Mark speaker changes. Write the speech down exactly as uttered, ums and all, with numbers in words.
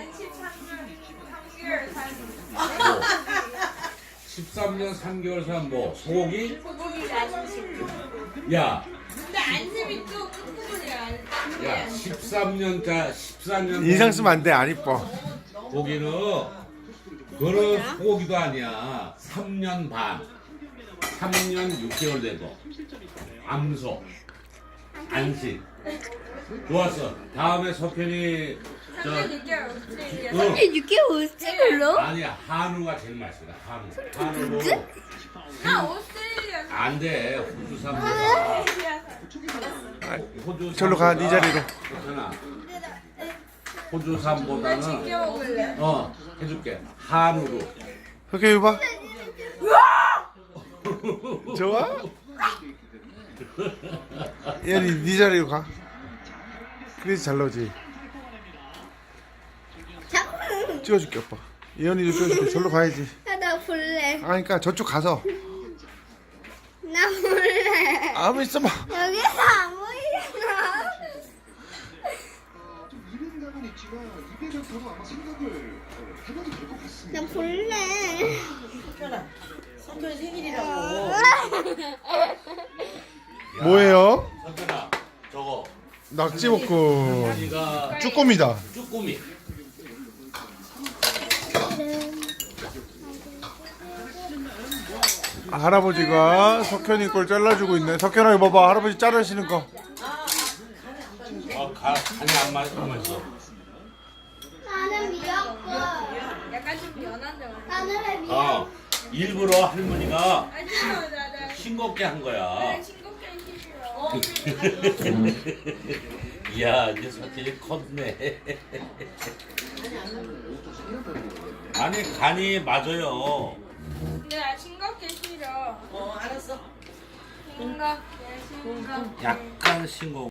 Speaker 1: 난 십삼 년 삼 개월 산
Speaker 2: 십삼 년 삼 개월 산 뭐 소고기?
Speaker 1: 소고기 안심.
Speaker 2: 야,
Speaker 1: 근데 안심이 또 끝부분이야.
Speaker 2: 야, 십삼 년짜 십사 년
Speaker 3: 인상 쓰면 안 돼. 안 이뻐.
Speaker 2: 고기는 그런 소고기도 아니야. 삼 년 반, 삼 년 육 개월 되고 암소, 안심. 좋았어. 다음에 석현이 저
Speaker 1: 삼 년 육 개월 오스트레일리아.
Speaker 2: 응.
Speaker 4: 육 개월 어찌 불러?
Speaker 2: 아니야, 한우가 제일 맛있다. 한우. 한우로
Speaker 1: 나 오스트레일리아.
Speaker 2: 안 돼. 호주 산보다. 호주
Speaker 3: 절로 가, 네 자리로.
Speaker 2: 괜찮아. 호주
Speaker 1: 나
Speaker 2: 산보다는
Speaker 1: 챙겨 먹을래.
Speaker 2: 어 해줄게. 한우로.
Speaker 3: 석현이 봐. 좋아? 얘는 네 자리로 가. 그래서 잘 나오지.
Speaker 4: 잠깐만.
Speaker 3: 찍어줄게 오빠. 예언이도 찍어줄게. 절로 가야지.
Speaker 4: 아, 나 볼래.
Speaker 3: 아 그러니까 저쪽 가서.
Speaker 4: 나 볼래.
Speaker 3: 아무 있어봐.
Speaker 4: 여기서 안 보이잖아.
Speaker 5: 이벤감은 있지만 이벤을 타고 아마 생각을 해봐도 될 것 같습니다.
Speaker 4: 나 볼래.
Speaker 6: 석현아, 석현 생일이라고.
Speaker 3: 뭐예요?
Speaker 2: 석현아, 저거
Speaker 3: 낙지볶음.
Speaker 2: 네가
Speaker 3: 쭈꾸미다.
Speaker 2: 쭈꾸미.
Speaker 3: 할아버지가 석현이 걸 잘라주고 있네. 석현아 이거 봐봐. 할아버지 자르시는 거.
Speaker 2: 어, 가, 간이 안 맞, 안 맞어.
Speaker 4: 나는 미역국.
Speaker 1: 약간 좀 연한데 오늘.
Speaker 4: 나는 왜 미역국?
Speaker 2: 어, 일부러 할머니가
Speaker 1: 아 싫어 나나
Speaker 2: 싱겁게 한 거야.
Speaker 1: 싱겁게 싫어.
Speaker 2: 이야, 이제 석현이 컸네. 아니, 간이 맞아요.
Speaker 1: 근데 나 싱겁게 싫어.
Speaker 6: 어, 알았어.
Speaker 1: 싱겁게 싱겁게.
Speaker 2: 약간 싱거워.